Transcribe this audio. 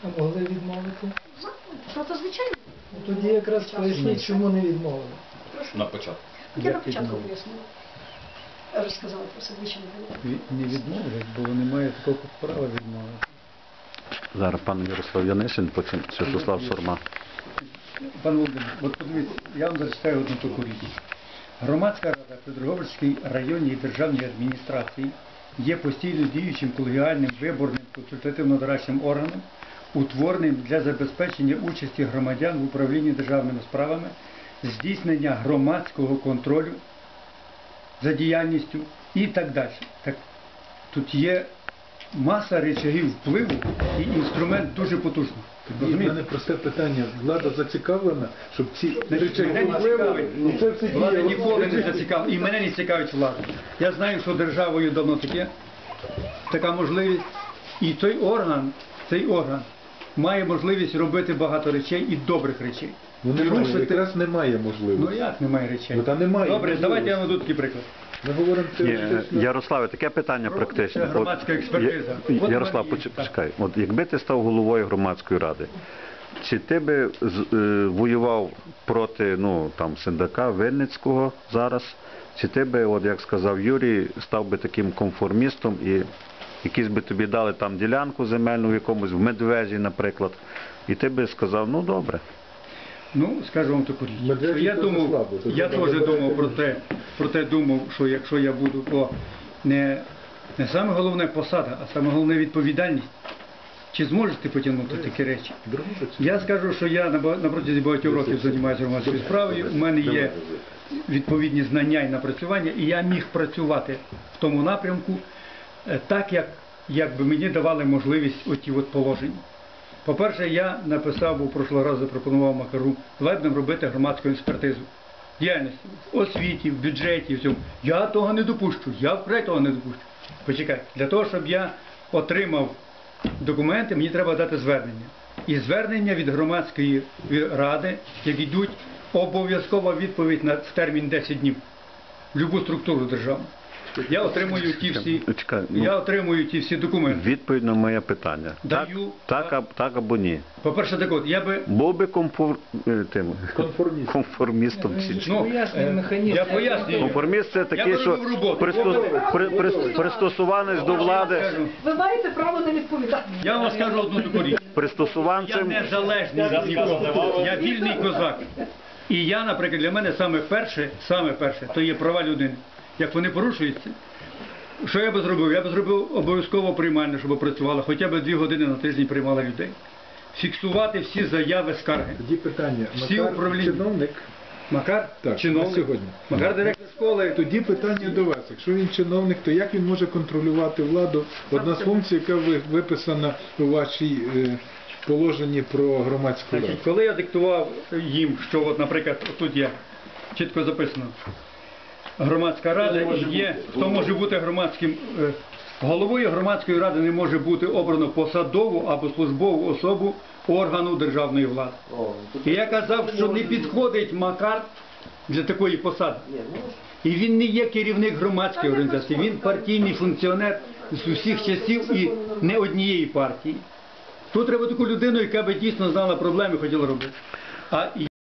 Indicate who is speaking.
Speaker 1: А могли відмовити?
Speaker 2: Проте, звичайно.
Speaker 1: Тоді якраз поясніть, чому не відмовили.
Speaker 3: На початку.
Speaker 2: Я на початку пояснила. Розказала про це, двічі не було.
Speaker 4: Не відмовлять, бо немає такого права відмовити.
Speaker 5: Зараз пан Ярослав Янишин, потім Святослав Сурма.
Speaker 4: Пан Володимир, от подивіться, я вам зачитаю одну таку річ. Громадська рада при Дрогобицькій районній державній адміністрації є постійно діючим колегіальним виборним консультативно-дорадчим органом, утвореним для забезпечення участі громадян в управлінні державними справами, здійснення громадського контролю за діяльністю і так далі. Так, тут є маса речагів впливу і інструмент дуже потужний.
Speaker 6: Тоді в мене просте питання. Влада зацікавлена, щоб ці речаги впливу...
Speaker 4: Влада ніколи не зацікавлена. І мене не цікавить влада. Я знаю, що державою давно таке, така можливість. І цей орган має можливість робити багато речей і добрих речей.
Speaker 6: Ну немає, якраз немає можливості.
Speaker 4: Ну як немає речей?
Speaker 6: Ну, та немає
Speaker 4: добре,
Speaker 6: можливості.
Speaker 4: давайте я наведу такий приклад.
Speaker 6: Ми говоримо
Speaker 5: Ярославе, таке питання практичне.
Speaker 4: Громадська експертиза.
Speaker 5: Ярослав, почекай. От якби ти став головою громадської ради, чи ти би воював проти Сендака Винницького зараз, чи ти би, от як сказав Юрій, став би таким конформістом і якісь би тобі дали там ділянку земельну в якомусь, в Медвежі, наприклад, і ти би сказав, ну добре.
Speaker 4: Ну, скажу вам таку річ. Я теж думав про те, що якщо я буду, не саме головне посада, а саме головне відповідальність. Чи зможете потягнути такі речі? Я скажу, що я на протязі багатьох років займаюся громадською справою, у мене є відповідні знання і напрацювання, і я міг працювати в тому напрямку так, як би мені давали можливість оті положення. По-перше, я написав, бо прошлого разу запропонував Макару, давай будемо робити громадську експертизу діяльності, в освіті, в бюджеті, в цьому. Я того не допущу, я впредь того не допущу. Почекай, для того, щоб я отримав документи, мені треба дати звернення. І звернення від громадської ради, як йдуть, обов'язкова відповідь в термін 10 днів. В будь-яку структуру державну. Я отримую ті всі документи.
Speaker 5: Відповідь на моє питання. Так або ні.
Speaker 4: По-перше, так от, я би...
Speaker 5: Був би конформістом.
Speaker 4: Я пояснюю.
Speaker 5: Конформіст – це такий, що пристосуваність до влади.
Speaker 2: Ви маєте право не відповідати.
Speaker 4: Я вам скажу одну таку річ. Я незалежний від нікого. Я вільний козак. І я, наприклад, для мене саме перше, то є права людини. Як вони порушуються, що я би зробив? Я би зробив обов'язково приймальне, щоб працювала, хоча б 2 години на тиждень приймала людей. Фіксувати всі заяви, скарги.
Speaker 6: Тоді питання.
Speaker 4: Макар чиновник. Макар?
Speaker 6: Так,
Speaker 4: чиновник.
Speaker 6: сьогодні.
Speaker 4: Макар директор школи.
Speaker 6: Тоді питання до вас. Якщо він чиновник, то як він може контролювати владу? Одна з функцій, яка виписана у вашій положенні про громадську раду.
Speaker 4: Коли я диктував їм, що, от, наприклад, тут є чітко записано, громадська рада є, хто може бути громадським, головою громадської ради не може бути обрано посадову або службову особу органу державної влади. І я казав, що не підходить Макар для такої посади. І він не є керівник громадської організації, він партійний функціонер з усіх часів і не однієї партії. Тут треба таку людину, яка би дійсно знала проблеми і хотіла робити.